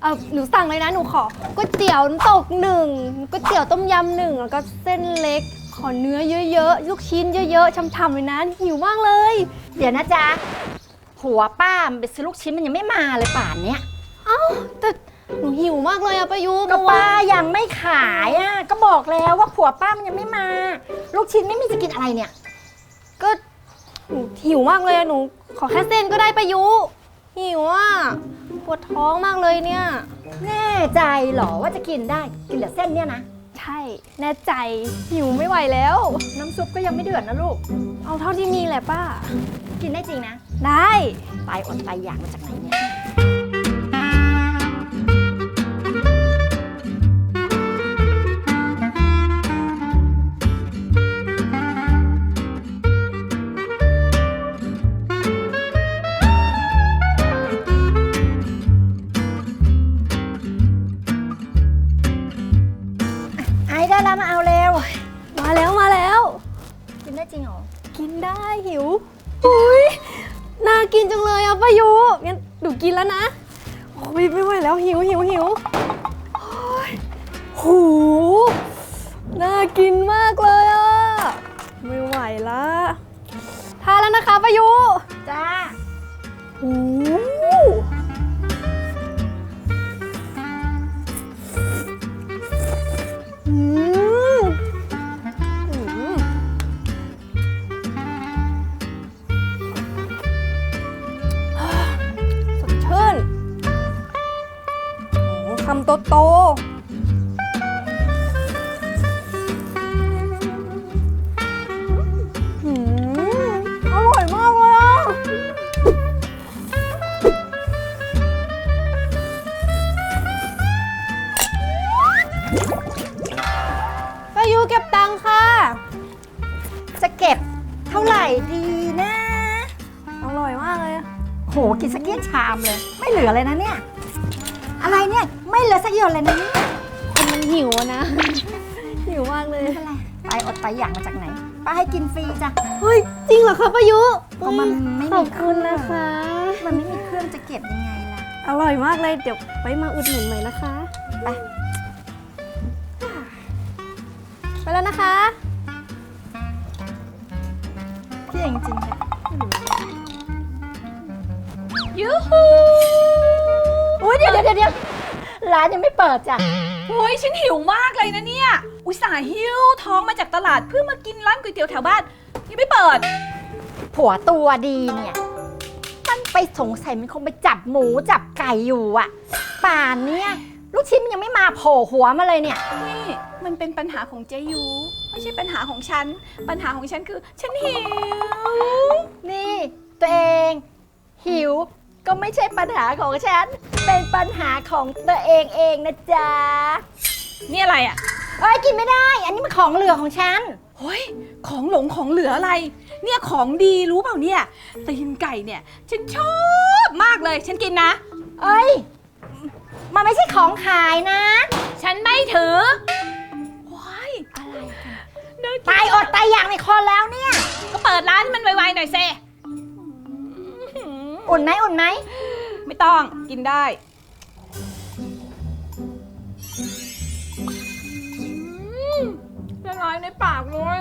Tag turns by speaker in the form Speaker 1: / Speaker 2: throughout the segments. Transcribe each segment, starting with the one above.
Speaker 1: หนูสั่งเลยนะหนูขอก๋วยเตี๋ยวน้ำตก1ก๋วยเตี๋ยวต้มยำ1แล้วก็เส้นเล็กขอเนื้อเยอะๆลูกชิ้นเยอะๆช่ำๆเลยนะหิวมากเลย
Speaker 2: เดี๋ยวนะจ๊ะผัวป้ามันไปซื้อลูกชิ้นมันยังไม่มาเลยป่านเนี้ย
Speaker 1: เอ้าแต่หนูหิวมากเลยอะป้ายุ
Speaker 2: ก็ป้ายังไม่ขายอ่ะก็บอกแล้วว่าผัวป้ามันยังไม่มาลูกชิ้นไม่มีจะกินอะไรเนี่ย
Speaker 1: ก็หนูหิวมากเลยอะหนูขอแค่เส้นก็ได้ป้ายุหิวอะปวดท้องมากเลยเนี่ย
Speaker 2: แน่ใจเหรอว่าจะกินได้กินแต่เส้นเนี่ยนะ
Speaker 1: ใช่แน่ใจหิวไม่ไหวแล้ว
Speaker 2: น้ำซุปก็ยังไม่เดือดนะลูก
Speaker 1: เอาเท่าที่มีแหละป้า
Speaker 2: กินได้จริงนะ
Speaker 1: ได้
Speaker 2: ตายอดตายอยากมาจากไหนเนี่ยได้แล้วมาเอาเร็ว
Speaker 1: มาแล้ว
Speaker 2: กินได้จริงเหรอ
Speaker 1: กินได้หิวอุ้ยน่ากินจังเลยอ่ะป้ายุงั้นหนูกินแล้วนะโอ้ยไม่ไหวแล้วหิวโอ้ยหูน่ากินมากเลยอ่ะไม่ไหวละทานแล้วนะคะป้ายุ
Speaker 2: จ้า
Speaker 1: หูคำโตอร่อยมากเลยอ่ะป้ายูเก็บตังค่ะ
Speaker 2: จะเก็บเท่าไหร่ดีนะ
Speaker 1: อร่อยมากเลย
Speaker 2: โหกินสักเกี้ยนชามเลยไม่เหลือเลยนะเนี่ยอะไรเนี่ยไม่เหลือสักหยดเลยนะเนี่ย
Speaker 1: คนมันหิวนะหิวมากเลย
Speaker 2: ไม่เป็นไรไปอดไปอยากมาจากไหนป้าให้กินฟรีจ้ะ
Speaker 1: เฮ้ยจริงเหรอคะป้ายุ
Speaker 2: เพราะมันไม่มี
Speaker 1: ขอบคุณนะคะ
Speaker 2: มันไม่มีเครื่องจะเก็บยังไงล่ะ
Speaker 1: อร่อยมากเลยเดี๋ยวไว้มาอุดหนุนใหม่นะคะไปแล้วนะคะ
Speaker 2: พี่จริงๆค่ะ
Speaker 3: ยูฮู
Speaker 2: อุ้ยเดี๋ยวร้านยังไม่เปิดจ้ะ
Speaker 3: โอ้ยฉันหิวมากเลยนะเนี่ยอุตส่าห์หิวท้องมาจากตลาดเพื่อมากินร้านก๋วยเตี๋ยวแถวบ้านยังไม่เปิด
Speaker 2: ผัวตัวดีเนี่ยมันไปสงสัยมันคงไปจับหมูจับไก่อยู่อ่ะป่านเนี่ยลูกชิ้นมันยังไม่มาโผล่หัวมาเลยเนี่ย
Speaker 3: นี่มันเป็นปัญหาของเจยูไม่ใช่ปัญหาของฉันปัญหาของฉันคือฉันหิว
Speaker 2: นี่ตัวเองหิวก็ไม่ใช่ปัญหาของฉันเป็นปัญหาของตัวเองนะจ๊ะ
Speaker 3: นี่อะไรอ่ะ
Speaker 2: เอ้ยกินไม่ได้อันนี้มันของเหลือของฉัน
Speaker 3: เฮ้ยของหลงของเหลืออะไรเนี่ยของดีรู้เปล่าเนี่ยตีนไก่เนี่ยฉันชอบมากเลยฉันกินนะ
Speaker 2: เอ้ยมันไม่ใช่ของขายนะ
Speaker 3: ฉันไม่ถือว้ายอะไรกัน
Speaker 2: ตายอดตายอยากในคอแล้วเนี่ย
Speaker 3: ก็เปิดร้านมันไวๆหน่อยเซ
Speaker 2: อุ่นไหม
Speaker 3: ไม่ต้องกินได้ละลายในปากเลย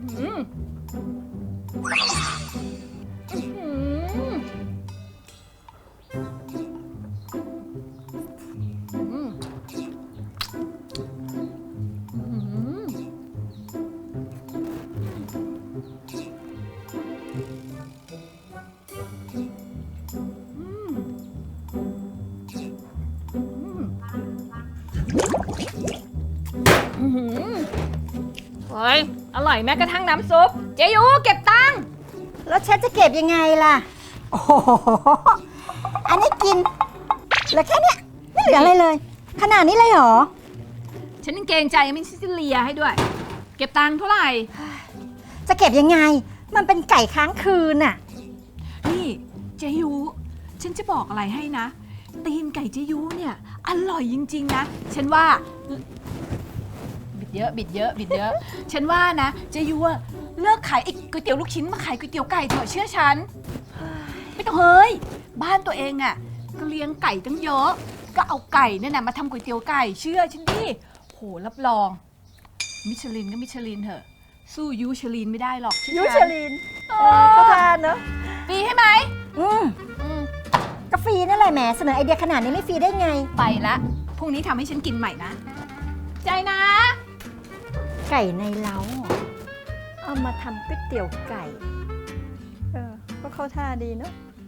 Speaker 3: เฮ้ยอร่อยแม้กระทั่งน้ำซุปเจยูเก็บตังค์
Speaker 2: แล้วฉันจะเก็บยังไงล่ะโอ้โหอันนี้กินเหลือแค่เนี้ยไม่เหลืออะไรเลยขนาดนี้เลยเหรอ
Speaker 3: ฉันยังเกรงใจยังไม่ซิเลียให้ด้วยเก็บตังค์เท่าไหร่
Speaker 2: จะเก็บยังไงมันเป็นไก่ค้างคืนน่ะ
Speaker 3: นี่เจยูฉันจะบอกอะไรให้นะตีนไก่เจยูเนี่ยอร่อยจริงๆนะฉันว่าบิดเยอะฉันว่านะเจยูเลิกขายไอ้ก๋วยเตี๋ยวลูกชิ้นมาขายก๋วยเตี๋ยวไก่เถอะเชื่อฉันไม่ต้องเฮ้ยบ้านตัวเองอ่ะก็เลี้ยงไก่ตั้งเยอะก็เอาไก่เนี่ยนะมาทำก๋วยเตี๋ยวไก่เชื่อฉันดิโหรับรองมิชลินก็มิชลินเถอะสู้ยูชลินไม่ได้หรอก
Speaker 2: ยูเชลินเขาทานเนอะ
Speaker 3: ฟรีให้ไหม
Speaker 2: อืมก็ฟรีนั่นแหละแหมเสนอไอเดียขนาดนี้ไม่ฟรีได้ไง
Speaker 3: ไปละพรุ่งนี้ทำให้ฉันกินใหม่นะใจนะ
Speaker 2: ไก่ในเล้าเหรอเอามาทำก๋วยเตี๋ยวไก่ก็เข้าท่าดีเนอะ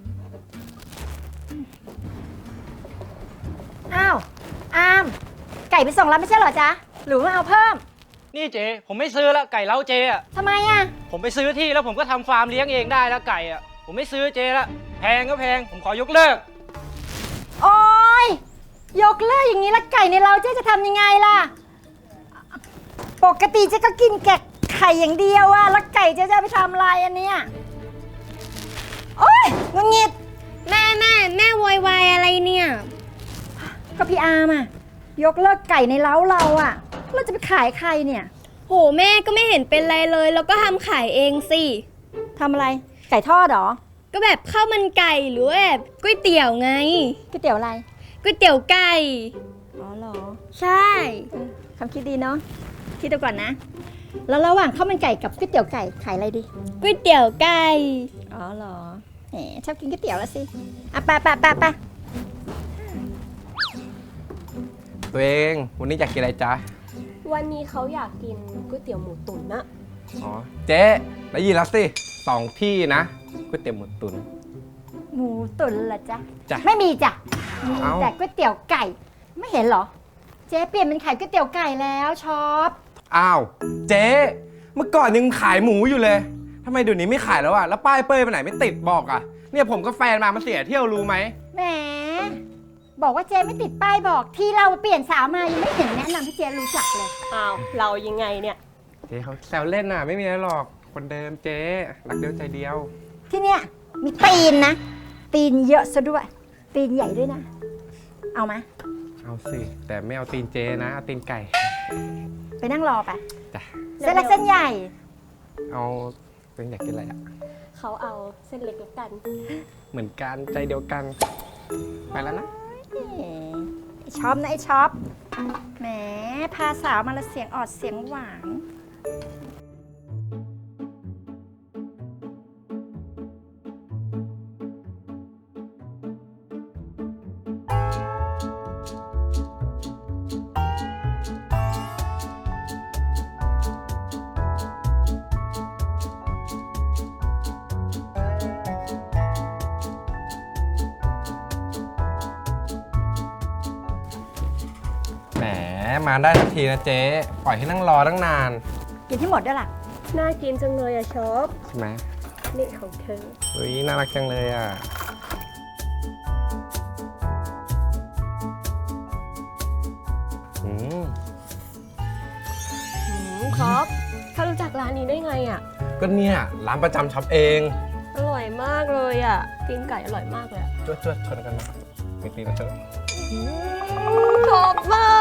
Speaker 2: อ้าวอามไก่ไปส่งแล้วไม่ใช่เหรอจ๊ะหรือว่าเอาเพิ่ม
Speaker 4: นี่เจ๊ผมไม่ซื้อแล้วไก่เล้าเจ๊อะ
Speaker 2: ทำไมอ่ะ
Speaker 4: ผมไปซื้อที่แล้วผมก็ทำฟาร์มเลี้ยงเองได้แล้วไก่อะผมไม่ซื้อเจ๊ละแพงก็แพงผมขอยกเลิก
Speaker 2: โอ๊ยยกเลิกอย่างนี้แล้วไก่ในเล้าเจ๊จะทำยังไงล่ะปกติเจ๊ก็กินแกะไข่อย่างเดียวอะแล้วไก่เจ๊จะไปทำอะไรอันเนี้ยโอ๊ยงุนงิด
Speaker 1: แม่โวยวายอะไรเนี่ย
Speaker 2: ก็พี่อาร์มอะยกเลิกไก่ในเล้าเราอะเราจะไปขายใครเนี่ย
Speaker 1: โหแม่ก็ไม่เห็นเป็นไรเลยแล้วก็ทำขายเองสิ
Speaker 2: ทำอะไรไก่ทอดเหรอ
Speaker 1: ก็แบบข้าวมันไก่หรือว่าแบบก๋วยเตี๋ยวไง
Speaker 2: ก๋วยเตี๋ยวอะไร
Speaker 1: ก๋วยเตี๋ยวไก่
Speaker 2: อ๋อเหรอ
Speaker 1: ใช่
Speaker 2: คำคิดดีเนาะคิดดูก่อนนะ แล้วระหว่างข้าวมันไก่กับก๋วยเตี๋ยวไก่ขายอะไรดี
Speaker 1: ก๋วยเตี๋ยวไก่
Speaker 2: อ๋อเหรอแหมชอบกินก๋วยเตี๋ยวแล้วสิอ่ะไป
Speaker 5: ตัวเองวันนี้อยากกินอะไรจ๊ะ
Speaker 6: วันนี้เขาอยากกินก๋วยเตี๋ยวหมูตุ๋นนะ
Speaker 5: อ๋อเจ๊ได้ยินแล้วสิ2 ที่นะก๋วยเตี๋ยวหมูตุ๋น
Speaker 2: หมูตุ๋นเหรอจ๊ะ
Speaker 5: จ้ะ
Speaker 2: ไม่มีจ้ะมี
Speaker 5: เอ้า
Speaker 2: แต่ก๋วยเตี๋ยวไก่ ไม่เห็นเหรอ เจ๊เปลี่ยนเป็นขายก๋วยเตี๋ยวไก่แล้วชอบ
Speaker 5: อ้าวเจ๊เมื่อก่อนยังขายหมูอยู่เลยทำไมเดี๋ยวนี้ไม่ขายแล้วอะแล้วป้ายเป้ยไปไหนไม่ติดบอกอะเนี่ยผมกับแฟนมาเสียเที่ยวรู้ไหม
Speaker 2: แหมบอกว่าเจ๊ไม่ติดป้ายบอกที่เราเปลี่ยนสาวมายังไม่เห็นแนะนำให้เจ๊รู้จักเลย
Speaker 6: อ้าว เรายังไงเนี่ย
Speaker 5: เจ๊เขาแซวเล่นน่ะไม่มีอะไรหรอกคนเดิมเจ๊รักเดียวใจเดียว
Speaker 2: ที่เนี่ยมีตีนนะ ตีนเยอะซะด้วย ตีนใหญ่ด้วยนะ เอาไหม
Speaker 5: เอาสิแต่ไม่เอาตีนเจ๊นะเอาตีนไก่
Speaker 2: ไปนั่งรอไป
Speaker 5: จ้ะ
Speaker 2: เส้นเล็กเส้นใหญ่
Speaker 5: เอาตัวเองอยากกินอะไรอะ
Speaker 6: เขาเอาเส้นเล็กแล้วกัน
Speaker 5: เหมือนกันใจเดียวกันไปแล้วนะ
Speaker 2: ไอ้ช็อปนะไอ้ช็อปแหมพาสาวมาแล้วเสียงออดเสียงหวาน
Speaker 5: แหมมาได้ทันทีนะเจ๊ปล่อยให้นั่งรอตั้งนาน
Speaker 2: กินที่หมดด้วยล่ะ
Speaker 6: น่ากินจังเลยอะชอบ
Speaker 5: ใช่ไหม
Speaker 6: นี่ของเธอ
Speaker 5: เฮ้ยน่ารักจังเลยอ่ะอืม
Speaker 6: ครับเขารู้จักร้านนี้ได้ไงอะ
Speaker 5: ก็เนี่ยร้านประจำช็อปเอง
Speaker 6: อร่อยมากเลยอะตีนไก่อร่อยมากเลยอะ
Speaker 5: จวดชนกันนะมีตีนะเจ้า
Speaker 6: ชอบมาก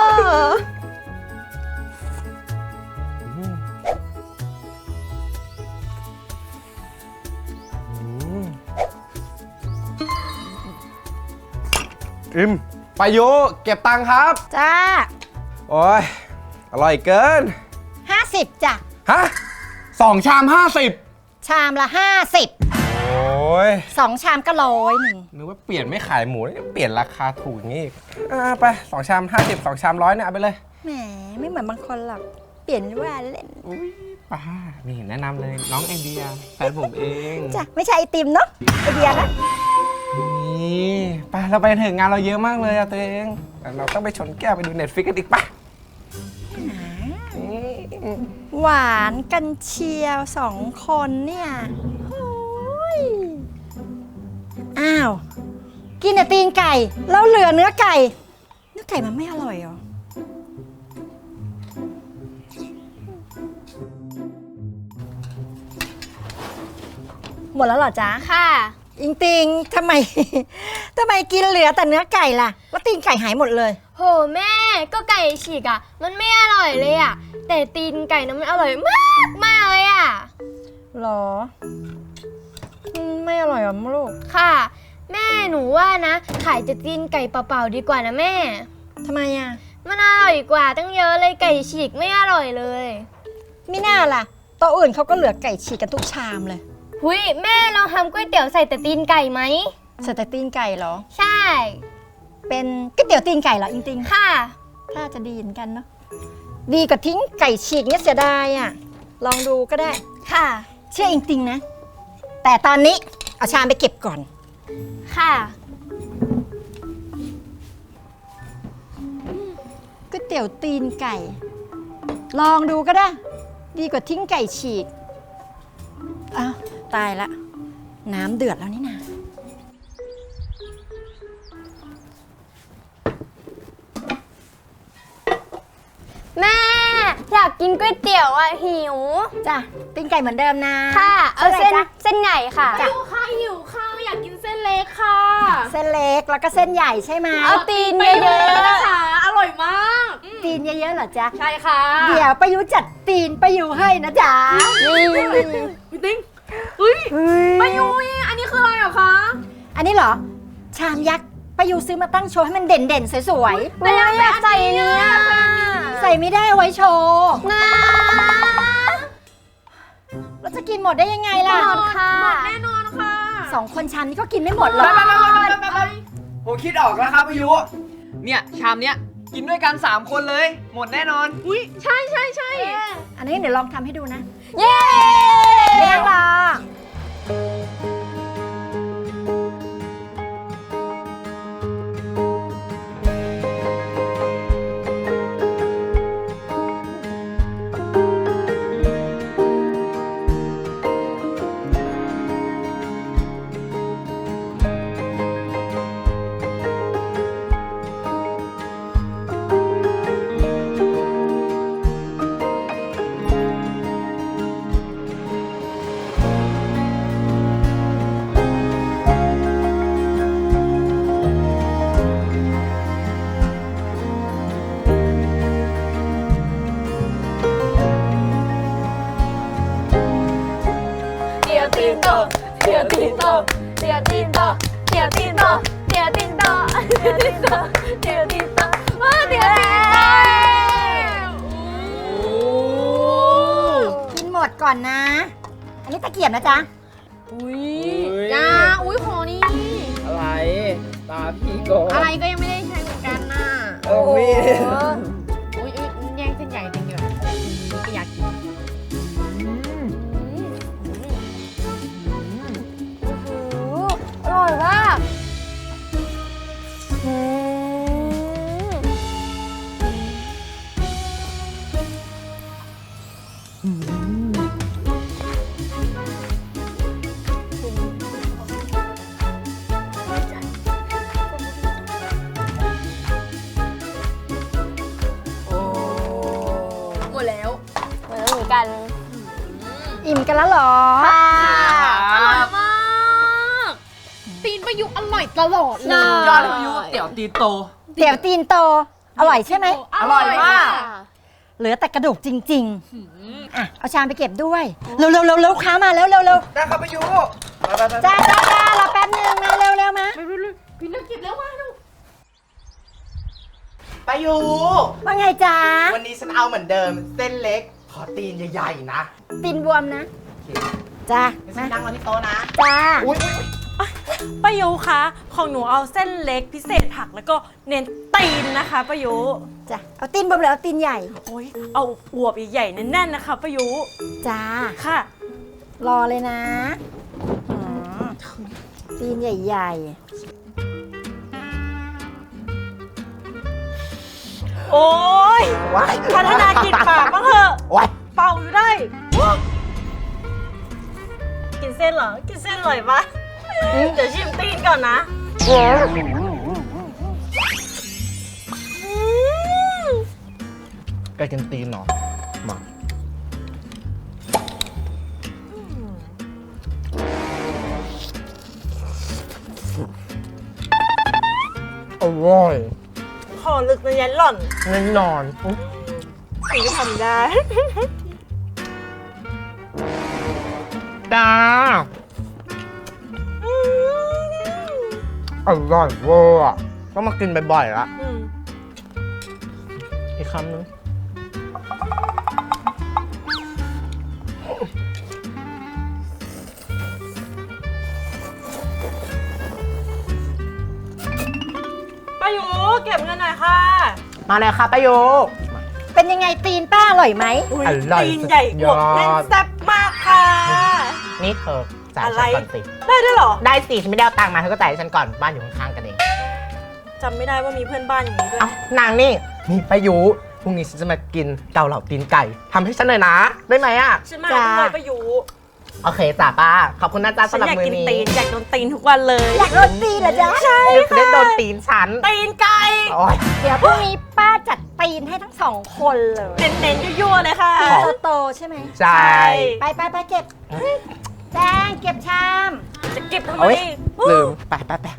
Speaker 5: อิมไปโยเก็บตังค์ครับ
Speaker 2: จ้า
Speaker 5: โอ้ยอร่อยเกิน
Speaker 2: 50จ้ะ
Speaker 5: ฮะ2 ชาม 50
Speaker 2: ชามละ 50
Speaker 5: โอ้ย
Speaker 2: 2 ชามก็100
Speaker 5: นึกว่าเปลี่ยนไม่ขายหมูแล้วเปลี่ยนราคาถูกอย่างนี้อีกไป2 ชาม 50 2 ชาม 100เนี่ยเอาไปเลย
Speaker 2: แหมไม่เหมือนบางคนหรอก เปลี่ยนว่าเล่น
Speaker 5: อุ้ยป้านี่แนะนำเลยน้องไอเดียแฟนผมเอง
Speaker 2: จ้ะ ไม่ใช่ไอติมเนาะไอเดียนะ
Speaker 5: นี่ไปเราไปถึงงานเราเยอะมากเลยอะตัวเองแต่เราต้องไปชนแก้วไปดูเน็ตฟิกกันอีกปะ
Speaker 2: หวานกันเชียว2 คนเนี่ยโอ้ยอ้าว กินแต่ตีนไก่ แล้วเหลือเนื้อไก่ เนื้อไก่มันไม่อร่อยเหรอ หมดแล้วเหรอจ๊ะ
Speaker 1: ค่ะ
Speaker 2: อิงติงทำไม ทำไมกินเหลือแต่เนื้อไก่ล่ะแล้วตีนไก่หายหมดเลย
Speaker 1: โหแม่ก็ไก่ฉีกอ่ะ มันไม่อร่อยเลยอ่ะ แต่ตีนไก่นะมันอร่อยมากเลยอ่ะ
Speaker 2: หรอ ไม่อร่อยหรอลูก
Speaker 1: ค่ะ
Speaker 7: แม่หนูว่านะ ขายแต่ตีนไก่เปล่าๆดีกว่านะแม่
Speaker 2: ทำไมอ่ะ
Speaker 7: มันอร่อยกว่าตั้งเยอะเลยไก่ฉีกไม่อร่อยเลย
Speaker 2: ไม่น่าล่ะโต๊ะอื่นเขาก็เหลือไก่ฉีกกันทุกชามเลย
Speaker 7: หุยแม่ลองทำก๋วยเตี๋ยวใส่แต่ตีนไก่ไหม
Speaker 2: ใส่แต่ตีนไก่เหรอ
Speaker 7: ใช่
Speaker 2: เป็นก๋วยเตี๋ยวตีนไก่เหรอจริง
Speaker 7: ค่ะ
Speaker 2: ๆถ้าจะดีเหมือนกันเนาะ ดีกว่าทิ้งไก่ฉีกเนี่ยเสียดายอ่ะ ลองดูก็ได้
Speaker 7: ค่ะ
Speaker 2: เชื่อจริงๆนะ แต่ตอนนี้เอาชามไปเก็บก่อน
Speaker 7: ค่ะ
Speaker 2: ก๋วยเตี๋ยวตีนไก่ ลองดูก็ได้ ดีกว่าทิ้งไก่ฉีก อ้าว ตายละ น้ำเดือดแล้วนี่นา
Speaker 7: แม่อยากกินก๋วยเตี๋ยวอ่ะหิว
Speaker 2: จ้ะตีนไก่เหมือนเดิมนะ
Speaker 7: ค่ะ เอาเส้น
Speaker 2: ท่ไหร่จ๊ะ
Speaker 7: เส้นใหญ่ค่ะ
Speaker 2: จ้ะ
Speaker 3: ข้าวหิวข้าวอยากกินเส้นเล็กค่ะ
Speaker 2: เส้นเล็กแล้วก็เส้นใหญ่ใช่ไหม
Speaker 7: เอาตีนเยอะ
Speaker 3: นะคะอร่อยมาก
Speaker 2: ตีนเยอะๆเหรอจ๊ะ
Speaker 3: ใช่ค่ะ
Speaker 2: เดี๋ยวประยุจัดตีนประยุให้นะจ๊ะ
Speaker 3: พี่ติ๊งอุ้ยมายุยอันนี้คืออะไรเหรอคะ
Speaker 2: อันนี้เหรอ ชามยักษ์ประยุซื้อมาตั้งโชว์ให้มันเด่นๆสวย
Speaker 7: ๆไม่อยากใส่เนี่ย
Speaker 2: ๆ ใส่ไม่ได้เอาไว้โชว์
Speaker 7: นะ
Speaker 2: เราจะกินหมดได้ยังไงล่ะ
Speaker 7: หมดค่ะ
Speaker 3: แน่นอนค่ะ
Speaker 2: สองคนชามนี้ก็กินไม่หมดหรอก
Speaker 8: ผมคิดออกแล้วครับอายุ เนี่ย ชามเนี้ยกินด้วยกัน 3 คนเลย หมดแน่นอน
Speaker 3: อุ้ยใช่ใช่ใช่
Speaker 2: อันนี้เดี๋ยวลองทำให้ดูนะ
Speaker 7: เย้
Speaker 2: ไม่ต้องรอ
Speaker 7: เดี๋ยวตีนโตเดี๋ยวตีนโตเดี๋ยวตีนโตเดี๋ยวตีนโตเดี๋ยวตีนโตเดี๋ยวตีนโตเดี๋ยวตีนโตว้าเดี๋ยวตีนโต
Speaker 2: กินหมดก่อนนะ อันนี้ตะเกียบนะจ๊ะ
Speaker 3: จ้าอุ้ยขอนี่
Speaker 8: อะไร ตาพี่ก่อน
Speaker 3: อะไรก็ยังไม่ได้ใช้เหมือนกันน่ะ
Speaker 8: เออมี
Speaker 3: อุ้ยแย่งเส้นใหญ่จริงอยู่ก็อยากกิน
Speaker 7: อร่อยมากหมดแล้วเหมือนกัน
Speaker 2: อิ่มกันแล้วเหรอ
Speaker 7: ค่ะ
Speaker 3: อร่อยมาก ตีนประยุกต์อร่อยตลอดเลย
Speaker 8: ยอดอายุเตี๋ยวตีโต
Speaker 2: เตี๋ยวตีนโต อร่อยใช่ไหม
Speaker 3: อร่อยมาก
Speaker 2: เหลือแต่กระดูกจริงๆ อ่ะ เอาชามไปเก็บด้วย เร็วๆๆๆลูกค้ามาแล้วเร็ว
Speaker 8: ได้ครับอายุไปๆๆ
Speaker 2: ๆจ้ารอแป๊บนึงมาเร็วๆมา
Speaker 3: พี่นึกกินแล้วว่าดู
Speaker 8: ไปอยู่
Speaker 2: ว่าไงจ๊ะ
Speaker 8: วันนี้ฉันเอาเหมือนเดิม เส้นเล็ก ขอตีนใหญ่ๆนะ
Speaker 2: ตีนบวมนะ จ้า
Speaker 8: ฉั
Speaker 2: มาน
Speaker 8: นั่งรอที่โต๊ะนะ
Speaker 2: จ้า
Speaker 8: อุ้ย
Speaker 9: ป้ายุคะของหนูเอาเส้นเล็กพิเศษผักแล้วก็เน้นตีนนะคะป้ายุ
Speaker 2: จ้ะ เอาตีนบวมหรือเอาตีนใหญ่
Speaker 9: โอ้ยเอาอวบใหญ่ๆแน่นๆนะคะป้ายุ
Speaker 2: จ้า
Speaker 9: ค่ะ
Speaker 2: รอเลยนะอืมตีนใหญ่ๆ
Speaker 9: โอ้ย
Speaker 8: ว้าย
Speaker 9: พัฒนากินปากบ้างเถอะ
Speaker 8: ว้าย
Speaker 9: เป่าอยู่ได้ กินเส้นเหรอ กินเส้นอร่อยปะเดี๋ยวชิมตีนก่อนนะ
Speaker 8: ไก่กินตีนเหรอ มา อร่อย
Speaker 9: ขอลึกในยันหล่อน
Speaker 8: แน่นอน
Speaker 9: ถึงจะทำได้
Speaker 8: จ้า
Speaker 5: อร่อยเวอร์อะต้องมากินบ่อยๆละ
Speaker 9: อืม
Speaker 5: อีกคำนึง
Speaker 9: ป้ายุเก็บเงินหน่อยค่ะ
Speaker 5: มาเลยค่ะป้ายุ
Speaker 2: เป็นยังไงตีนป้าอร่อยไหม
Speaker 5: อร่อย
Speaker 9: ตีนใหญ่อวบแน่นแซ่บมากค่ะ
Speaker 10: นี่เธอจ่าย
Speaker 9: อะไร
Speaker 10: ฉันก่อนสิ
Speaker 9: ได้ด้วยเหรอ
Speaker 10: ได้สิฉันไม่ได้เอาตังค์มาเธอก็จ่ายให้ฉันก่อนบ้านอยู่ข้างๆกันเอง
Speaker 9: จำไม่ได้ว่ามีเพื่อนบ้านอย่างนี้ด้วย
Speaker 10: เอ้านางนี่ป้ายุพรุ่งนี้ฉันจะมากินเกาเหลาตีนไก่ทำให้ฉันหน่อยนะ ได้ไหมอ่ะ
Speaker 9: ฉันมาด้วยป้ายุ
Speaker 10: โอเคจ้าป้า ขอบคุณนะจ๊ะ
Speaker 9: ฉัน
Speaker 10: สำหรับ
Speaker 9: อยาก
Speaker 10: มือ
Speaker 9: กิน
Speaker 10: นี้
Speaker 9: ตีนอยากโดนตีนทุกวันเลย
Speaker 2: อยากโดนตีนเหรอจ๊ะ
Speaker 9: ใช่
Speaker 10: เดี๋ยวจะได้โดนตีนฉัน
Speaker 9: ตีนไก่
Speaker 10: โอ้ย
Speaker 2: เดี๋ยวพรุ่งนี้ป้าจัดตีนให้ทั้งสองคนเลย
Speaker 9: เน้นๆยั่วๆเลยค่ะ
Speaker 2: โตๆใช่ไหม
Speaker 10: ใช่
Speaker 2: ไปเก็บ แจ้งเก็บชาม
Speaker 9: จะเก็บทำไม
Speaker 10: โอ๊ยลืมไป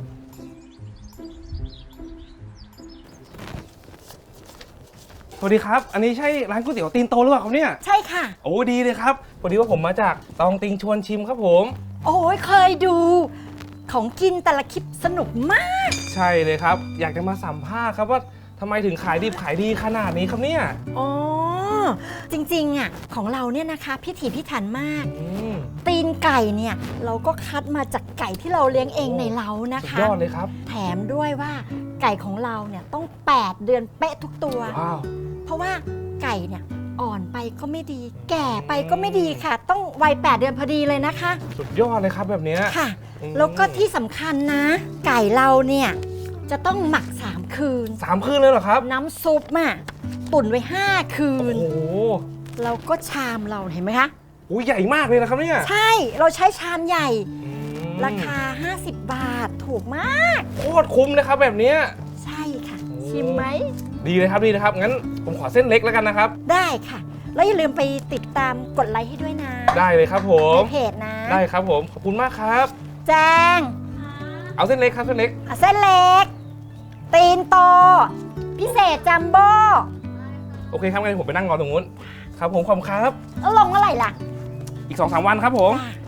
Speaker 5: สวัสดีครับ อันนี้ใช่ร้านก๋วยเตี๋ยวตีนโตหรือเปล่าครับเนี่ย
Speaker 2: ใช่ค่ะ
Speaker 5: โอ้ดีเลยครับพอดีว่าผมมาจากตองติงชวนชิมครับผม
Speaker 2: โอ้ยเคยดู ของกินแต่ละคลิปสนุกมาก
Speaker 5: ใช่เลยครับ อยากจะมาสัมภาษณ์ครับว่าทำไมถึงขายดิบขายดีขนาดนี้ครับเนี่ย
Speaker 2: อ๋อ จริงๆอ่ะของเราเนี่ยนะคะพิถีพิถันมาก
Speaker 5: อืม
Speaker 2: ตีนไก่เนี่ยเราก็คัดมาจากไก่ที่เราเลี้ยงเองในเล้านะ
Speaker 5: สุด
Speaker 2: คะ
Speaker 5: ยอดเลยครับ
Speaker 2: แถมด้วยว่าไก่ของเราเนี่ยต้อง 8 เดือนเป๊ะทุกตัว
Speaker 5: ว้าว
Speaker 2: เพราะว่าไก่เนี่ยอ่อนไปก็ไม่ดี แก่ไปก็ไม่ดีค่ะ ต้องวัย 8 เดือนพอดีเลยนะคะ
Speaker 5: สุดยอดเลยครับแบบเนี้ย
Speaker 2: ค่ะ
Speaker 5: อืม
Speaker 2: แล้วก็ที่สำคัญนะ ไก่เราเนี่ยจะต้องหมัก 3 คืน
Speaker 5: 3 คืนเลยเหรอครับ
Speaker 2: น้ำซุปอ่ะตุนไว้ 5 คืน
Speaker 5: โอ้โห
Speaker 2: แล้วก็ชามเราเห็นไหมคะ
Speaker 5: โอ้ยใหญ่มากเลยนะครับเนี่ย
Speaker 2: ใช่เราใช้ชามใหญ่
Speaker 5: อืม
Speaker 2: ราคา 50 บาทถูกมาก
Speaker 5: โคตรคุ้มเลยครับแบบเนี้ย
Speaker 2: ใช่ค่ะ
Speaker 5: โอ้
Speaker 2: ชิมไหม
Speaker 5: ดีเลยครับดีเลยครับ งั้นผมขอเส้นเล็กแล้วกันนะครับ
Speaker 2: ได้ค่ะ แล้วอย่าลืมไปติดตามกดไลค์ให้ด้วยนะ
Speaker 5: ได้เลยครับผม
Speaker 2: ในเพจนะ
Speaker 5: ได้ครับผม ขอบคุณมากครับ
Speaker 2: แจ้ง
Speaker 5: เอาเส้นเล็กครับเส้นเล็ก
Speaker 2: เส้นเล็ก ตีนโต พิเศษจัมโบ้
Speaker 5: โอเคครับงั้นผมไปนั่งรอตรงนู้น ครับผมขอบคุณครับ
Speaker 2: แล้วลงเมื่อไหร่ล่ะ
Speaker 5: อีก 2-3 วันครับผม
Speaker 2: จ้า